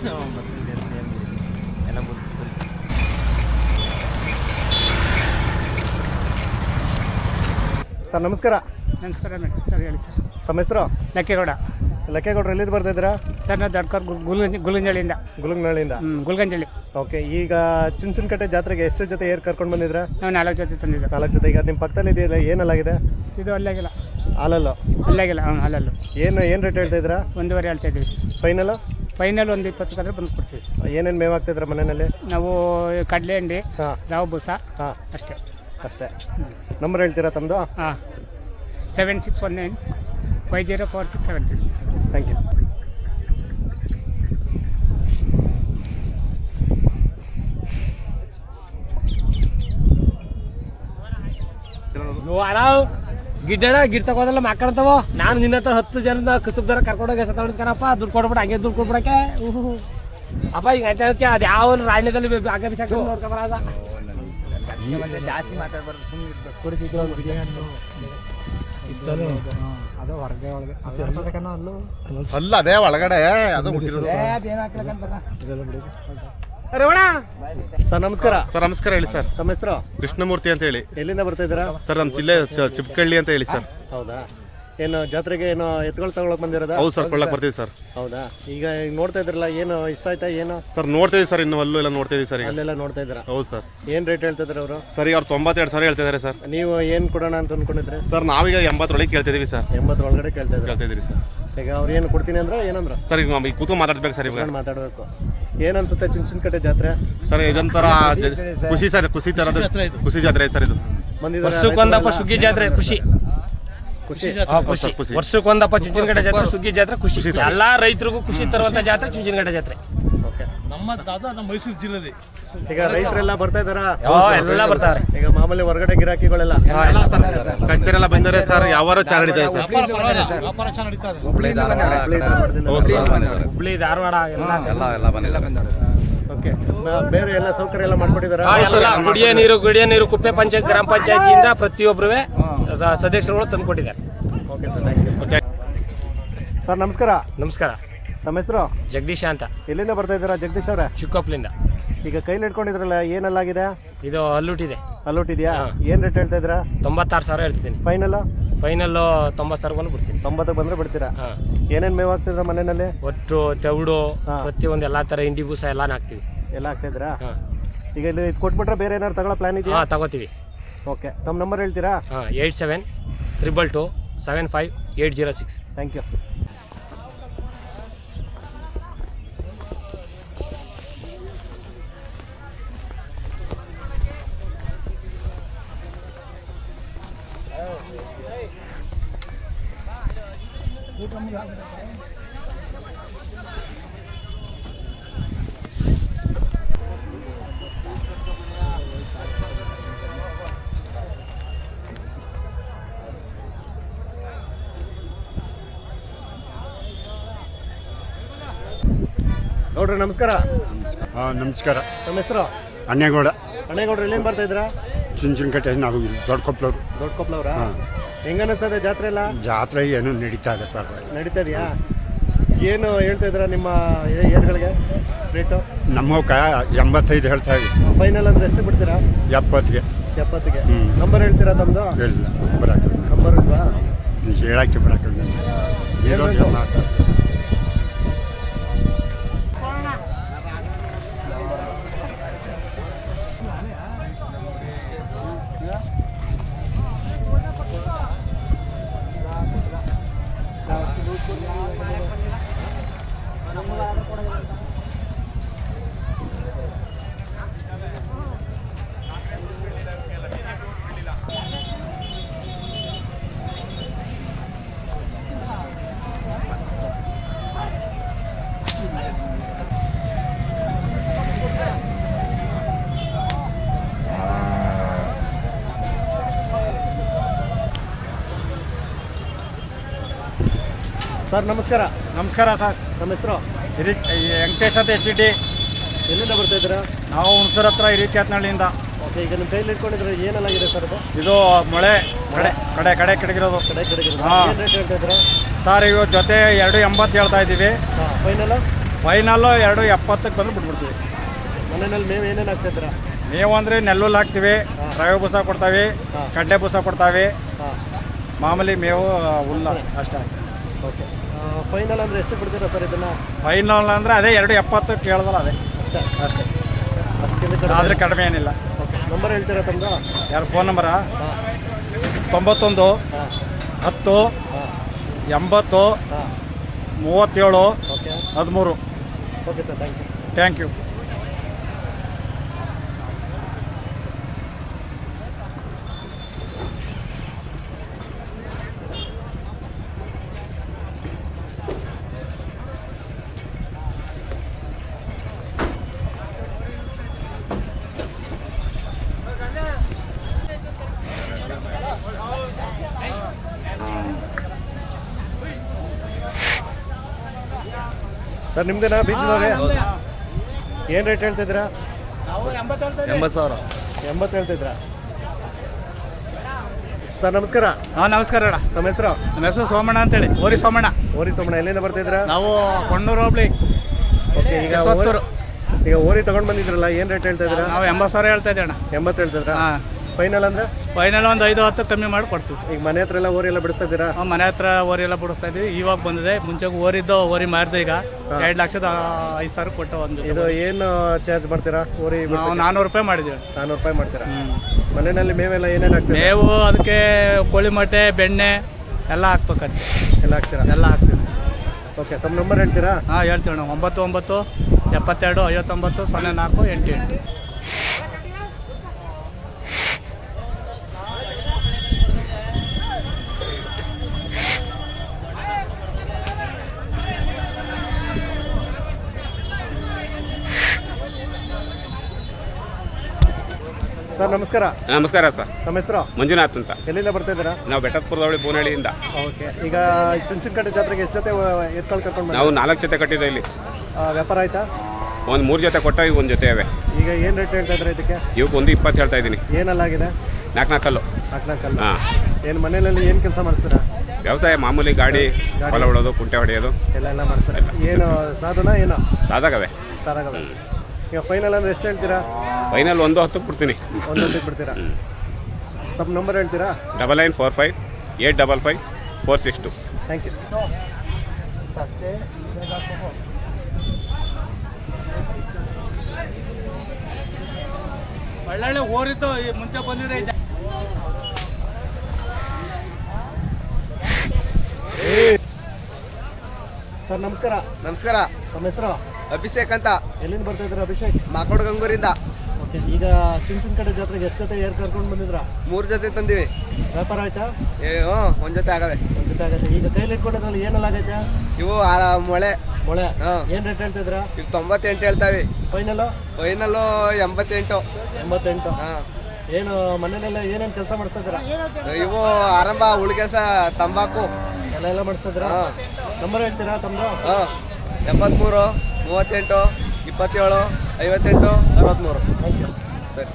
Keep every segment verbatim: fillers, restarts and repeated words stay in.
ಎಲ್ಲ ಸರ್ ನಮಸ್ಕಾರ. ನಮಸ್ಕಾರ ಸರ್, ಹೇಳಿ ಸರ್. ತಮ್ಮ ಹೆಸರು? ಲಕ್ಕಿಗೌಡ. ಲಕ್ಕೇಗೌಡರು ಎಲ್ಲಿಂದ ಬರ್ತಾಯಿದ್ದೀರಾ? ಸರ್ ನಾವು ದೊಡ್ಡಕರ್ ಗುಲ್ಗಂಜಿ ಗುಲ್ಗಂಜಳಿಯಿಂದ. ಗುಲಂಗನಹಳ್ಳಿಯಿಂದ. ಹ್ಞೂ ಗುಲ್ಗಂಜಳಿ. ಓಕೆ, ಈಗ ಚುಂಚನಕಟ್ಟೆ ಜಾತ್ರೆಗೆ ಎಷ್ಟು ಜೊತೆ ಏರ್ ಕರ್ಕೊಂಡು ಬಂದಿದ್ರಾ? ನಾವು ನಾಲ್ಕು ಜೊತೆ ತಂದಿದ್ದು. ನಾಲ್ಕು ಜೊತೆ. ಈಗ ನಿಮ್ಮ ಪಕ್ಕದಲ್ಲಿ ಇದೆಯಲ್ಲ, ಏನಲ್ಲಾಗಿದೆ? ಇದು ಅಲ್ಲಾಗಿಲ್ಲ. ಹಾಲಲ್ಲು? ಅಲ್ಲಾಗಿಲ್ಲ. ಹ್ಞೂ ಹಾಲಲ್ಲು. ಏನು ಏನು ರೇಟ್ ಹೇಳ್ತಾ ಇದ್ದೀರಾ? ಒಂದೂವರೆ ಹೇಳ್ತಾ ಇದ್ದೀವಿ. ಫೈನಲು? ಫೈನಲ್ ಒಂದು ಇಪ್ಪತ್ತಕ್ಕಾದ್ರೆ ಬಂದು ಕೊಡ್ತೀವಿ. ಏನೇನು ಮೇವು ಹಾಕ್ತಿದ್ರ ಮನೆಯಲ್ಲಿ? ನಾವು ಕಡಲೆ ಹಿಂಡಿ, ಹಾಂ, ರಾವು ಬೂಸ, ಹಾಂ, ಅಷ್ಟೇ ಅಷ್ಟೇ. ನಂಬರ್ ಹೇಳ್ತೀರಾ ತಮ್ಮದು? ಹಾಂ, seven six one nine five zero four six seven three. Thank you. ಗಿಡ್ಡ ಗಿಡ್ ತಗೋದಲ್ಲ ಮಾಕಾಡ್ತಾವ. ನಾನು ನಿನ್ನ ಹತ್ರ ಹತ್ತು ಜನದ ಕಸುಬ್ದಾರ ಕರ್ಕೊಂಡೋಗಿ ಎಷ್ಟ ತಗೊಂಡ್ಕನಪ್ಪ, ದುಡ್ಡು ಕೊಡ್ಬಿಡ, ಹಂಗೆ ದುಡ್ಡು ಕೊಡ್ಬಿಡಕ್ಕೆ. ಅಪ್ಪ ಈಗ ಆಯ್ತಾ ಅದು ಯಾವ ರಾಣ್ಯದಲ್ಲಿ ಆಗ ಬಿಸಾಕ ನೋಡ್ಕೊಂಬರದ ಜಾಸ್ತಿ ಮಾತಾಡ್ಬಾರ್ದು, ಅದು ಹೊರಗೆ ಒಳಗೆ ಅಲ್ಲ, ಅದೇ ಒಳಗಡೆ ಅದು ಸರ್ ನಮಸ್ಕಾರ. ಸರ್ ನಮಸ್ಕಾರ. ಹೇಳಿ ಸರ್. ತಮ್ಮ ಹೆಸರು? ಕೃಷ್ಣಮೂರ್ತಿ ಅಂತ ಹೇಳಿ. ಎಲ್ಲಿಂದ ಬರ್ತಾ ಇದ್ದೀರಾ? ಸರ್ ನಮ್ಮ ಜಿಲ್ಲೆ ಚಿಪ್ಕಳ್ಳಿ ಅಂತ ಹೇಳಿ ಸರ್. ಹೌದಾ? ಏನು ಜಾತ್ರೆಗೆ ಏನು ಎತ್ಕೊಳ್ ತಗೊಳಕ್ ಬಂದಿರೋದಾ? ಹೌದು ಸರ್, ಕೊಳ್ಳಕ್ ಬರ್ತೀವಿ ಸರ್. ಹೌದಾ? ಈಗ ಈಗ ನೋಡ್ತಾ ಇದ್ರಲ್ಲ, ಏನು ಇಷ್ಟ ಆಯ್ತಾ? ಏನು ಸರ್ ನೋಡ್ತೀವಿ ಸರ್, ಇನ್ನು ಅಲ್ಲೂ ಎಲ್ಲ ನೋಡ್ತೀವಿ ಸರ್. ಈಗ ಅಲ್ಲೆಲ್ಲ ನೋಡ್ತಾ ಇದ್ದೀರಾ? ಹೌದು ಸರ್. ಏನು ರೇಟ್ ಹೇಳ್ತಾ ಇದ್ದಾರೆ ಅವರು? ಸರ್ ಈಗ ಅವ್ರು ತೊಂಬತ್ತೆರಡು ಸಾವಿರ ಹೇಳ್ತಿದ್ದಾರೆ ಸರ್. ನೀವು ಏನು ಕೊಡೋಣ ಅಂತ ಅಂದ್ಕೊಂಡಿದ್ರೆ? ಸರ್ ನಾವೀಗ ಎಂಬತ್ತರೊಳಗೆ ಕೇಳ್ತಿದೀವಿ ಸರ್. ಎಂಬತ್ತರ ಒಳಗಡೆ ಕೇಳ್ತಾ ಇದ್ದಾರೆ. ಕೇಳ್ತಿದ್ದೀರಿ ಸರ್. ಈಗ ಅವ್ರು ಏನು ಕೊಡ್ತೀನಿ ಅಂದ್ರೆ ಏನಂದ್ರೆ? ಸರ್ ಈಗ ಈಗ ಕೂತು ಮಾತಾಡ್ಬೇಕು ಸರ್. ಇವಾಗ ಮಾತಾಡಬೇಕು. ಏನನ್ಸುತ್ತೆ ಚುಂಚನಕಟ್ಟೆ ಜಾತ್ರೆ? ಸರ್ ಇದೊಂಥರ ಖುಷಿ ಸರ್, ಖುಷಿ ಥರದ ಖುಷಿ ಜಾತ್ರೆ ಸರ್ ಇದು. ವರ್ಷಕ್ಕೊಂದಪ್ಪ ಸುಗ್ಗಿ ಜಾತ್ರೆ ಖುಷಿ. ಖುಷಿ ಖುಷಿ ವರ್ಷಕ್ಕೊಂದಪ್ಪ ಚುಂಚನಕಟ್ಟೆ ಜಾತ್ರೆ ಸುಗ್ಗಿ ಜಾತ್ರೆ ಖುಷಿ. ಎಲ್ಲಾ ರೈತರಿಗೂ ಖುಷಿ ತರುವಂತ ಜಾತ್ರೆ ಚುಂಚನಕಟ್ಟೆ ಜಾತ್ರೆ. ನಮ್ಮ ದಾದ ನಮ್ಮ ಮೈಸೂರು ಜಿಲ್ಲೆಯಲ್ಲಿ ಈಗ ರೈತರೆಲ್ಲ ಬರ್ತಾ ಇದಾರಾ? ಎಲ್ಲ ಬರ್ತಾರೆ. ಈಗ ಮಾಮೂಲಿ ಹೊರಗಡೆ ಗಿರಾಕಿಗಳೆಲ್ಲ ಕಚ್ಚರೆಲ್ಲ ಬಂದರೆ ಸರ್. ಯಾವ ಚಾರ ನಡೀತಾರೆ ಸರ್? ವ್ಯಾಪಾರ ಚೆನ್ನಾಗಿ ನಡೀತಾರೆ. ಹುಬ್ಳಿ ಧಾರವಾಡ ಎಲ್ಲ. ಓಕೆ, ಬೇರೆ ಎಲ್ಲ ಸೌಕರ್ಯ ಎಲ್ಲ ಮಾಡ್ಕೊಟ್ಟಿದ್ದಾರೆ? ಎಲ್ಲ ಕುಡಿಯೋ ನೀರು ಕುಡಿಯೋ ನೀರು ಕುಪ್ಪೆ ಪಂಚಾಯತ್ ಗ್ರಾಮ ಪಂಚಾಯತಿಯಿಂದ ಪ್ರತಿಯೊಬ್ಬರು ಸದಸ್ಯರುಗಳು ತಂದುಕೊಟ್ಟಿದ್ದಾರೆ. Okay sir, thank you. Okay sir ನಮಸ್ಕಾರ. ನಮಸ್ಕಾರ. ನಮ್ಮ ಹೆಸರು? ಜಗದೀಶ ಅಂತ. ಎಲ್ಲಿಂದ ಬರ್ತಾ ಇದ್ದೀರಾ ಜಗದೀಶ್ ಅವರೇ? ಚಿಕ್ಕೊಪ್ಲಿಂದ. ಈಗ ಕೈಲಿ ಇಟ್ಕೊಂಡಿದ್ರಲ್ಲ, ಏನಲ್ಲಾಗಿದೆ? ಇದು ಹಲ್ಲುಟ್ಟಿದೆ. ಅಲ್ಲೋಟಿದ್ಯಾ? ಏನು ರೇಟ್ ಹೇಳ್ತಾ ಇದ್ದೀರಾ? ತೊಂಬತ್ತಾರು ಸಾವಿರ ಹೇಳ್ತಿದ್ದೀನಿ. ಫೈನಲ್? ಫೈನಲ್ ತೊಂಬತ್ತು ಸಾವಿರ ಬಂದು ಬಿಡ್ತೀನಿ. ತೊಂಬತ್ತಕ್ಕೆ ಬಂದರೆ ಬಿಡ್ತೀರಾ? ಹಾಂ. ಏನೇನು ಮೇವು ಹಾಕ್ತಿದ್ರ ಮನೆಯಲ್ಲಿ? ಒಟ್ಟು ತೆವಡು ಪ್ರತಿಯೊಂದು ಎಲ್ಲ ಥರ ಇಂಡಿ ಬೂಸ ಎಲ್ಲ ಹಾಕ್ತೀವಿ. ಎಲ್ಲ ಹಾಕ್ತಿದ್ರಾ? ಹಾಂ. ಈಗ ಇಲ್ಲಿ ಇದು ಕೊಟ್ಬಿಟ್ರೆ ಬೇರೆ ಏನಾದ್ರು ತಗೊಳ್ಳೋ ಪ್ಲಾನ್ ಇದೆಯಾ? ಹಾಂ, ತಗೋತೀವಿ. ಓಕೆ, ತಮ್ಮ ನಂಬರ್ ಹೇಳ್ತೀರಾ? ಹಾಂ, eight seven triple two seven five eight zero six. Thank you. ನೋಡ್ರಿ ನಮಸ್ಕಾರ. ಹಾಂ ನಮಸ್ಕಾರ. ನಮ್ಮ ಹೆಸರು? ಅಣ್ಣೇಗೌಡ. ಅಣ್ಣೇಗೌಡ್ರು ಎಲ್ಲಿಂದ ಬರ್ತಾ ಇದ್ದೀರಾ? ಚುಂಚನಕಟ್ಟೆ. ನಾವು ದೊಡ್ಡ ಕೊಪ್ಪಳವ್ರು. ದೊಡ್ಡ ಕೊಪ್ಪಳವ್ರಾ? ಹಾಂ. ಹೆಂಗ ಅನಿಸ್ತದೆ ಜಾತ್ರೆ ಎಲ್ಲ? ಜಾತ್ರೆ ಏನು ನಡೀತಾ ಇದೆ, ಪರವಾಗಿಲ್ಲ ನಡೀತಾ ಇದೆಯಾ? ಏನು ಹೇಳ್ತಾ ಇದ್ದೀರಾ ನಿಮ್ಮ ಏರ್ಗಳಿಗೆ ರೇಟು? ನಮ್ಮವಕ್ಕ ಎಂಬತ್ತೈದು ಹೇಳ್ತಾ ಇದ್ದೀವಿ. ಫೈನಲ್ ಅಂದ್ರೆ ಎಷ್ಟು ಬಿಡ್ತೀರಾ? ಎಪ್ಪತ್ತಿಗೆ. ಎಪ್ಪತ್ತಿಗೆ. ಹ್ಞೂ. ನಂಬರ್ ಹೇಳ್ತೀರಾ ತಮ್ಮದು? ಇಲ್ಲ, ಬರಕ್ಕೆ ನಂಬರ್ ಇಲ್ವಾ? ಹೇಳಕ್ಕೆ ಬರಕ್ಕೆ ಇರೋದು ಮಾತು. ಸರ್ ನಮಸ್ಕಾರ. ನಮಸ್ಕಾರ ಸರ್. ನಮ್ಮ ಹೆಸರು? ಹಿರಿ ವೆಂಕಟೇಶ್ ಅಂತ ಎಚ್ ಡಿ. ಎಲ್ಲಿಂದ ಬರ್ತಾ ಇದ್ದೀರಾ? ನಾವು ಹುಣಸೂರು ಹತ್ರ ಹಿರಿಕ್ಯಾತ್ನಹಳ್ಳಿಯಿಂದ. ಓಕೆ, ಈಗ ನಿಮ್ಮ ಕೈಲಿ ಇಟ್ಕೊಂಡಿದ್ರೆ ಏನೆಲ್ಲಾಗಿದೆ ಸರ್ ಅದು? ಇದು ಮೊಳೆ ಕಡೆ ಕಡೆ ಕಡೆ ಕೆಡಗಿರೋದು. ಕಡೆ ಕಡೆಗೆ ಹಾಂ. ಏನು ರೇಟ್ ಹೇಳ್ತಾ ಇದ್ದೀರಾ? ಸರ್ ಇವು ಜೊತೆ ಎರಡು ಎಂಬತ್ತು ಹೇಳ್ತಾ ಇದ್ದೀವಿ. ಹಾಂ. ಫೈನಲ್? ಫೈನಲ್ಲು ಎರಡು ಎಪ್ಪತ್ತಕ್ಕೆ ಬಂದು ಬಿಟ್ಬಿಡ್ತೀವಿ. ಮನೆಯಲ್ಲಿ ಮೇವು ಏನೇನು ಹಾಕ್ತಿದ್ದೀರಾ? ಮೇವು ಅಂದರೆ ನೆಲ್ಲುಲ್ಲು ಹಾಕ್ತೀವಿ, ರವೆ ಬೂಸ ಕೊಡ್ತಾವೆ, ಕಡ್ಲೆ ಬೂಸ ಕೊಡ್ತಾವೆ, ಹಾಂ, ಮಾಮೂಲಿ ಮೇವು ಹುಲ್ಲ ಅಷ್ಟೇ. ಓಕೆ. ಫೈನಲ್ ಅಂದರೆ ಎಷ್ಟು ಬಿಡ್ತೀರಾ ಸರ್ ಇದನ್ನು? ಫೈನಲ್ ಅಂದರೆ ಅದೇ ಎರಡು ಎಪ್ಪತ್ತು ಕೇಳಿದಲ್ಲ ಅದೇ ಅಷ್ಟೇ ಅಷ್ಟೇ, ಅದಕ್ಕಿಂತ ಕಡಿಮೆ? ಆದರೆ ಕಡಿಮೆ ಏನಿಲ್ಲ. ಓಕೆ. ನಂಬರ್ ಹೇಳ್ತೀರಾ ತಮ್ಮದು? ಯಾರು ಫೋನ್ ನಂಬರಾ? ಹಾಂ ತೊಂಬತ್ತೊಂದು ಹಾಂ ಹತ್ತು ಹಾಂ ಎಂಬತ್ತು ಹಾಂ. ಮೂವತ್ತೇಳು ಓಕೆ ಹದಿಮೂರು. Okay sir, thank you. Thank you. Sir ನಿಮ್ದೇನಾ ಬೀಜದವ್ರೆ? ಏನು ರೇಟ್ ಹೇಳ್ತಿದ್ದೀರಾ? ಎಂಬತ್ತು ಸಾವಿರ. ಎಂಬತ್ತು ಹೇಳ್ತಿದ್ರಾ? ಸರ್ ನಮಸ್ಕಾರ. ಹಾಂ ನಮಸ್ಕಾರ ಅಣ್ಣ. ನಮ್ಮ ಹೆಸರು? ನಮ್ಮ ಹೆಸರು ಸೋಮಣ್ಣ ಅಂತೇಳಿ, ಓರಿ ಸೋಮಣ್ಣ. ಓರಿ ಸೋಮಣ್ಣ. ಎಲ್ಲಿಂದ ಬರ್ತಿದ್ರಾ? ನಾವು ಕೊಣ್ಣೂರು ಹೋಬ್ಳಿ. ಓಕೆ. ಈಗ ಯಶವಂತಪುರ. ಓರಿ- ಈಗ ಓರಿ ತಗೊಂಡು ಬಂದಿದ್ರಲ್ಲ, ಏನು ರೇಟ್ ಹೇಳ್ತಾ ಇದ್ದೀರಾ? ನಾವು ಎಂಬತ್ತು ಸಾವಿರ ಹೇಳ್ತಾ ಇದ್ದೀವಿ ಅಣ್ಣ. ಎಂಬತ್ತು ಹೇಳ್ತಿದ್ರಾ? ಹಾಂ. ಫೈನಲ್ ಅಂದರೆ ಫೈನಲ್ ಒಂದು ಐದು ಹತ್ತು ಕಮ್ಮಿ ಮಾಡಿ ಕೊಡ್ತೀವಿ. ಈಗ ಮನೆ ಹತ್ರ ಎಲ್ಲ ಓರಿ ಎಲ್ಲ ಬಿಡಿಸ್ತಾ ಇದ್ದೀರಾ? ನಾವು ಮನೆ ಹತ್ರ ಓರಿ ಎಲ್ಲ ಬಿಡಿಸ್ತಾ ಇದ್ದೀವಿ. ಇವಾಗ ಬಂದಿದೆ, ಮುಂಚೆ ಓರಿದ್ದು ಓರಿ ಮಾರಿದೆ. ಈಗ ಎರಡು ಲಕ್ಷದ ಐದು ಸಾವಿರ ಕೊಟ್ಟು ಒಂದು ಇದು ಏನು ಚಾರ್ಜ್ ಮಾಡ್ತೀರಾ ಓರಿ? ನಾವು ನಾನ್ನೂರು ರೂಪಾಯಿ ಮಾಡಿದ್ದೀವಿ. ನಾನ್ನೂರು ರೂಪಾಯಿ ಮಾಡ್ತೀರಾ? ಮನೆಯಲ್ಲಿ ಮೇವೆಲ್ಲ ಏನೇನು ಹಾಕ್ತೀರಾ? ಮೇವು ಅದಕ್ಕೆ ಕೋಳಿ ಮೊಟ್ಟೆ, ಬೆಣ್ಣೆ ಎಲ್ಲ ಹಾಕ್ಬೇಕಂತೆ. ಎಲ್ಲ ಹಾಕ್ತೀರಾ? ಎಲ್ಲ ಹಾಕ್ತೀವಿ. ಓಕೆ. ತಮ್ಮ ನಂಬರ್ ಹೇಳ್ತೀರಾ? ಹಾಂ ಹೇಳ್ತೀವಿ ನಾವು. ಒಂಬತ್ತು ಒಂಬತ್ತು ಎಪ್ಪತ್ತೆರಡು ಐವತ್ತೊಂಬತ್ತು ಸೊನ್ನೆ ನಾಲ್ಕು ಎಂಟು ಎಂಟು. ಸರ್ ನಮಸ್ಕಾರ. ನಮಸ್ಕಾರ ಸರ್. ನಮ್ಮ ಹೆಸರು? ಮಂಜುನಾಥ್ ಅಂತ. ಎಲ್ಲಿಂದ ಬರ್ತಾ ಇದ್ದೀರಾ? ನಾವು ಬೆಟ್ಟದಪುರದವಳಿ ಬೋನಹಳ್ಳಿಯಿಂದ. ಓಕೆ. ಈಗ ಚುಂಚನಕಟ್ಟೆ ಜಾತ್ರೆಗೆ ಎಷ್ಟು ಜೊತೆ ಎತ್ಕೊಂಡು ಕರ್ಕೊಂಡು ನಾವು ನಾಲ್ಕು ಜೊತೆ ಕಟ್ಟಿದ್ದೆ ಇಲ್ಲಿ. ವ್ಯಾಪಾರ ಆಯ್ತಾ? ಒಂದು ಮೂರು ಜೊತೆ ಕೊಟ್ಟ ಈಗ ಒಂದು ಜೊತೆ ಅವೆ. ಈಗ ಏನು ರೇಟ್ ಹೇಳ್ತಾ ಇದ್ದಾರೆ ಇದಕ್ಕೆ? ಇವಕ್ಕೆ ಒಂದು ಇಪ್ಪತ್ತು ಹೇಳ್ತಾ ಇದ್ದೀನಿ. ಏನಲ್ಲಾಗಿದೆ? ನಾಲ್ಕು ನಾಲ್ಕಲ್ಲು. ನಾಲ್ಕು ನಾಲ್ಕಲ್ಲ. ಹಾಂ. ಏನು ಮನೆಯಲ್ಲಿ ಏನು ಕೆಲಸ ಮಾಡಿಸ್ತೀರಾ? ವ್ಯವಸಾಯ ಮಾಮೂಲಿ, ಗಾಡಿ ಹೊಲ ಹೊಡೋದು, ಕುಂಟೆ ಹೊಡೆಯೋದು ಎಲ್ಲ ಎಲ್ಲ ಮಾಡ್ತಾರೆ. ಏನು ಸಾಧನ ಏನೋ ಸಾದಾಗವೆ. ಸಾರಾಗಲ್ಲ. ಈಗ ಫೈನಲ್ ಅಂದರೆ ಎಷ್ಟು ಹೇಳ್ತೀರಾ? ಫೈನಲ್ ಒಂದು ಹತ್ತಕ್ಕೆ ಬಿಡ್ತೀನಿ. ಒಂದು ಹೊತ್ತಿಗೆ ಬಿಡ್ತೀರಾ? ತಮ್ಮ ನಂಬರ್ ಹೇಳ್ತೀರಾ? Double nine four five eight double five four six two. Thank you. ಒಳ್ಳೊಳ್ಳೆ ಓರಿತ್ತು ಮುಂಚೆ ಬಂದಿದೆ. ಸರ್ ನಮಸ್ಕಾರ. ನಮಸ್ಕಾರ. ನಮ್ಮ ಹೆಸರು? ಅಭಿಷೇಕ್ ಅಂತ. ಎಲ್ಲಿಂದ ಬರ್ತಾ ಇದ್ದೀರಾ ಅಭಿಷೇಕ್? ಮಾಕೋಡ್ ಗಂಗೂರಿಂದ. ಓಕೆ. ಈಗ ಚುಂಚನಕಟ್ಟೆ ಜಾತ್ರೆಗೆ ಎಷ್ಟು ಜೊತೆ ಏರ್ ಕರ್ಕೊಂಡು ಬಂದಿದ್ರಾ? ಮೂರು ಜೊತೆ ತಂದಿವಿ. ವ್ಯಾಪಾರ ಆಯ್ತಾ? ಏ ಹ್ಞೂ ಒಂದು ಜೊತೆ ಆಗವೆ. ಒಂದು ಜೊತೆ ಆಗತ್ತೆ. ಈಗ ಕೈಲಿ ಇಟ್ಕೊಂಡಿದ್ರಲ್ಲಿ ಏನೆಲ್ಲ ಆಗೈತೆ? ಇವು ಆ ಮೊಳೆ ಮೊಳೆ. ಹಾಂ. ಏನು ರೇಟ್ ಹೇಳ್ತಿದ್ರಾ? ಇವು ತೊಂಬತ್ತೆಂಟು ಹೇಳ್ತಾವೆ. ಫೈನಲ್ಲು? ಫೈನಲ್ಲು ಎಂಬತ್ತೆಂಟು. ಎಂಬತ್ತೆಂಟು. ಹಾಂ. ಏನು ಮನೆಯಲ್ಲೆಲ್ಲ ಏನೇನು ಕೆಲಸ ಮಾಡಿಸ್ತಾ ಇದ್ದೀರಾ? ಇವು ಆರಂಭ ಉಳ್ಗೆಸ ತಂಬಾಕು ಎಲ್ಲ ಎಲ್ಲ ಮಾಡಿಸ್ತಾ ಇದ್ದೀರಾ? ಹಾಂ. ನಂಬರ್ ಹೇಳ್ತೀರಾ ತಮ್ಮದು? ಹಾಂ. ಎಪ್ಪತ್ತ್ಮೂರು ಮೂವತ್ತೆಂಟು ಇಪ್ಪತ್ತೇಳು ಐವತ್ತೆಂಟು ಅರವತ್ತ್ಮೂರು. Thank you. ಸರಿ.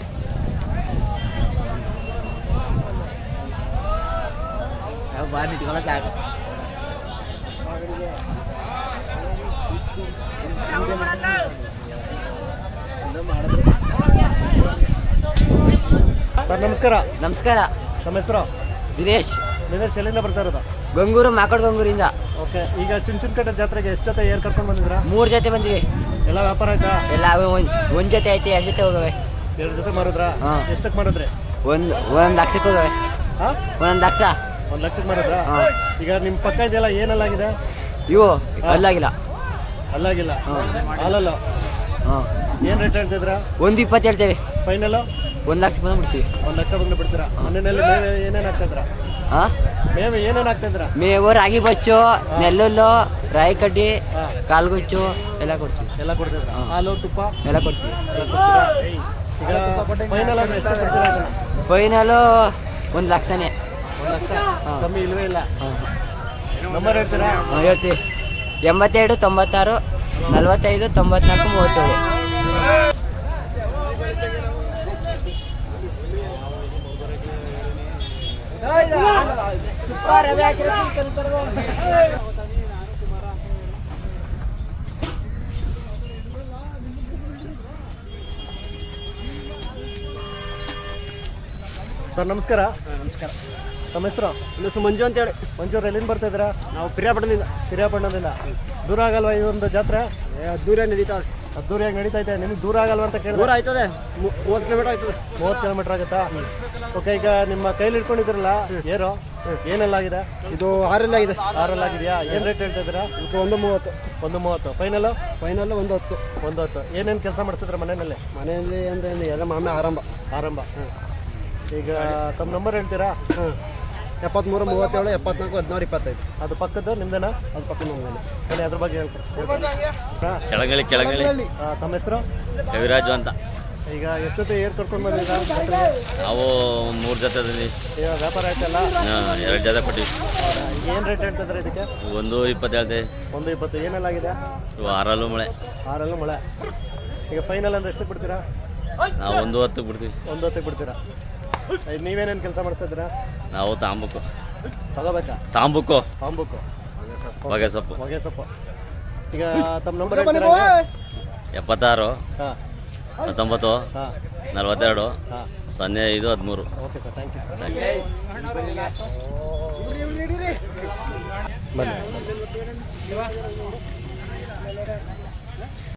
ಸರ್ ನಮಸ್ಕಾರ. ನಮಸ್ಕಾರ. ನಮ್ಮ ಹೆಸರು? ದಿನೇಶ್. ದಿನೇಶ್. ಎಲ್ಲಿಂದ ಬರ್ತಾ ಇರೋದು? ಗಂಗೂರು, ಮಾಕೋಡ್ ಗಂಗೂರಿಂದ. ಓಕೆ. ಈಗ ಚುಂಚನಕಟ್ಟೆ ಜಾತ್ರೆಗೆ ಎಷ್ಟು ಜೊತೆ ಏರ್ ಕರ್ಕೊಂಡು ಬಂದಿದ್ರಾ? ಮೂರು ಜೊತೆ ಬಂದಿವಿ. ಎಲ್ಲ ವ್ಯಾಪಾರ ಆಯ್ತಾ? ಎಲ್ಲ ಒಂದು ಒಂದು ಜೊತೆ ಐತೆ, ಎರಡು ಜೊತೆ ಹೋಗವೆ. ಎರಡು ಜೊತೆ ಮಾರಿದ್ರಾ? ಹಾಂ. ಎಷ್ಟಕ್ಕೆ ಮಾಡಿದ್ರಿ? ಒಂದು ಒಂದೊಂದು ಲಕ್ಷಕ್ಕೆ ಹೋಗವೆ. ಹಾಂ. ಒಂದೊಂದು ಲಕ್ಷ. ಒಂದು ಲಕ್ಷಕ್ಕೆ ಮಾರಿದ್ರಾ? ಹಾಂ. ಈಗ ನಿಮ್ಮ ಪಕ್ಕ ಇದೆಯಲ್ಲ ಏನೆಲ್ಲಾಗಿದೆ? ಇವು ಅಲ್ಲಾಗಿಲ್ಲ. ಅಲ್ಲಾಗಿಲ್ಲ. ಹಾಲಲ್ಲ. ಹಾಂ. ಏನು ರೇಟ್ ಹೇಳ್ತಿದ್ರಾ? ಒಂದು ಇಪ್ಪತ್ತು ಹೇಳ್ತೇವೆ. ಫೈನಲ್ಲು? ಒಂದು ಲಕ್ಷಕ್ಕೆ ಬಂದುಬಿಡ್ತೀವಿ. ಒಂದು ಲಕ್ಷ ಬಂದು ಬಿಡ್ತೀರಾ? ಮನೆಯಲ್ಲಿ ಮೇವೆ ಏನೇನು ಹಾಕ್ತಿದ್ರಾ? ಹಾಂ. ಮೇವೆ ಏನೇನು ಹಾಕ್ತಿದ್ರಾ? ಮೇವು, ರಾಗಿ ಬಚ್ಚು, ನೆಲ್ಲುಲ್ಲು, ರಾಯಿ ಕಡ್ಡಿ, ಹಾಂ. ಕಾಲ್ಗುಚ್ಚು ಎಲ್ಲ ಕೊಡ್ತೀವಿ. ಎಲ್ಲ ಕೊಡ್ತಿದ್ರಾ? ಹಾಂ. ಹಾಲು, ತುಪ್ಪ ಎಲ್ಲ ಕೊಡ್ತೀವಿ. ಎಲ್ಲ ಕೊಡ್ತೀರಾ? ಈಗ ಫೈನಲ್ ಅಂದ್ರೆ ಎಷ್ಟು ಕೊಡ್ತೀರಾ ಅದನ್ನ? ಫೈನಲು ಒಂದು ಲಕ್ಷನೇ. ಒಂದು ಲಕ್ಷ ಹಾಂ. ಕಮ್ಮಿ ಇಲ್ವೇ ಇಲ್ಲ. ಹಾಂ. ನಂಬರ್ ಹೇಳ್ತೀರಾ? ಹಾಂ ಹೇಳ್ತೀವಿ. ಎಂಬತ್ತೆರಡು ತೊಂಬತ್ತಾರು ನಲವತ್ತೈದು ತೊಂಬತ್ನಾಲ್ಕು ಮೂವತ್ತೇಳು. ಸರ್ ನಮಸ್ಕಾರ. ನಮಸ್ಕಾರ. ತಮ್ಮ ಹೆಸರು? ನನ್ನ ಹೆಸರು ಮಂಜು ಅಂತೇಳಿ. ಮಂಜೂರು ಎಲ್ಲಿಂದ ಬರ್ತಾ ಇದ್ದೀರಾ? ನಾವು ಪಿರಿಯಾಪಟ್ಟಣದಿಂದ. ಪಿರಿಯಾಪಟ್ಟಣದಿಂದ. ದೂರ ಆಗಲ್ವಾ ಈ ಒಂದು ಜಾತ್ರೆ? ದೂರ ನಡೀತಾ ಅದ್ದೂರಿಯಾಗಿ ನಡೀತಾ ಇದೆ. ನಿಮ್ಗೆ ದೂರ ಆಗಲ್ವಾ ಅಂತ ಕೇಳಿದ್ರೆ? ದೂರ ಆಯ್ತದೆ, ಮೂವತ್ತು ಕಿಲೋಮೀಟರ್ ಆಯ್ತದೆ. ಮೂವತ್ತು ಕಿಲೋಮೀಟರ್ ಆಗುತ್ತಾ? ಓಕೆ, ಈಗ ನಿಮ್ಮ ಕೈಲಿ ಇಟ್ಕೊಂಡಿದ್ದೀರಲ್ಲ ಏರು, ಏನೆಲ್ಲ ಆಗಿದೆ? ಇದು ಆರೆಲ್ಲ ಆಗಿದೆ. ಆರಲ್ಲಿ ಆಗಿದೆಯಾ? ಏನು ರೇಟ್ ಹೇಳ್ತಾ ಇದ್ದೀರಾ? ಇದಕ್ಕೆ ಒಂದು ಮೂವತ್ತು. ಒಂದು ಮೂವತ್ತು. ಫೈನಲ್? ಫೈನಲ್ ಒಂದು ಹತ್ತು. ಒಂದು ಹತ್ತು. ಏನೇನು ಕೆಲಸ ಮಾಡಿಸಿದ್ರೆ ಮನೆಯಲ್ಲಿ? ಮನೆಯಲ್ಲಿ ಅಂದರೆ ಎಲ್ಲ ಮಾಮೆ ಆರಂಭ. ಆರಂಭ. ಈಗ ತಮ್ಮ ನಂಬರ್ ಹೇಳ್ತೀರಾ? ಹ್ಞೂ ಎಪ್ಪತ್ತ್ಮೂರು ಮೂವತ್ತೇಳು ಎಪ್ಪತ್ನಾಲ್ಕು ಹದಿನಾರು ಇಪ್ಪತ್ತೈದು. ಅದು ಪಕ್ಕದ್ದು ನಿಮ್ದೇನಾ? ಅದು ಪಕ್ಕ ನಮ್ಮನೆ. ಹೇಳಿ ಅದ್ರ ಬಗ್ಗೆ ಹೇಳ್ತೀನಿ. ಕೆಳಗಳಿ ಕೆಳಗಳಿ ತಮ್ಮ ಹೆಸರು? ಕವಿರಾಜು ಅಂತ. ಈಗ ಎಷ್ಟೊತ್ತು ಏರ್ ಕರ್ಕೊಂಡು ಬಂದಿದ್ದೀರಾ? ನಾವು ಮೂರು ಜೊತೆ ಈಗ ವ್ಯಾಪಾರ ಆಯ್ತಲ್ಲ? ಎರಡು ಜೊತೆ ಕೊಟ್ಟಿವಿ. ಏನು ರೇಟ್ ಹೇಳ್ತಿದ್ರೆ ಇದಕ್ಕೆ? ಒಂದು ಇಪ್ಪತ್ತು ಹೇಳ್ತೇವೆ. ಒಂದು ಇಪ್ಪತ್ತು. ಏನೆಲ್ಲ ಆಗಿದೆ? ಇವು ಆರಲ್ಲೂ ಮಳೆ. ಆರಲ್ಲೂ ಮಳೆ. ಈಗ ಫೈನಲ್ ಅಂದ್ರೆ ಎಷ್ಟು ಬಿಡ್ತೀರಾ? ನಾವು ಒಂದು ಹತ್ತು ಬಿಡ್ತೀವಿ. ಒಂದು ಹೊತ್ತಿಗೆ ಬಿಡ್ತೀರಾ? ನೀವೇನೇನು ಕೆಲಸ ಮಾಡ್ತಾ ಇದ್ದೀರಾ? ನಾವು ತಾಂಬುಕು ತಗೋಬೇಕಾ? ತಾಂಬುಕು ತಾಂಬುಕು ಹೊಗೆ ಸೊಪ್ಪು. ಹೊಗೆ ಸೊಪ್ಪು. ಈಗ ತಮ್ಮ ನಂಬರ್ ಹೇಳ್ತೀರಾ? ಎಪ್ಪತ್ತಾರು ಹಾಂ ಹತ್ತೊಂಬತ್ತು ಹಾಂ ನಲ್ವತ್ತೆರಡು ಹಾಂ. ಸೊನ್ನೆ ಐದು ಹದಿಮೂರು. Okay sir, thank you. Thank you. ಬನ್ನಿ.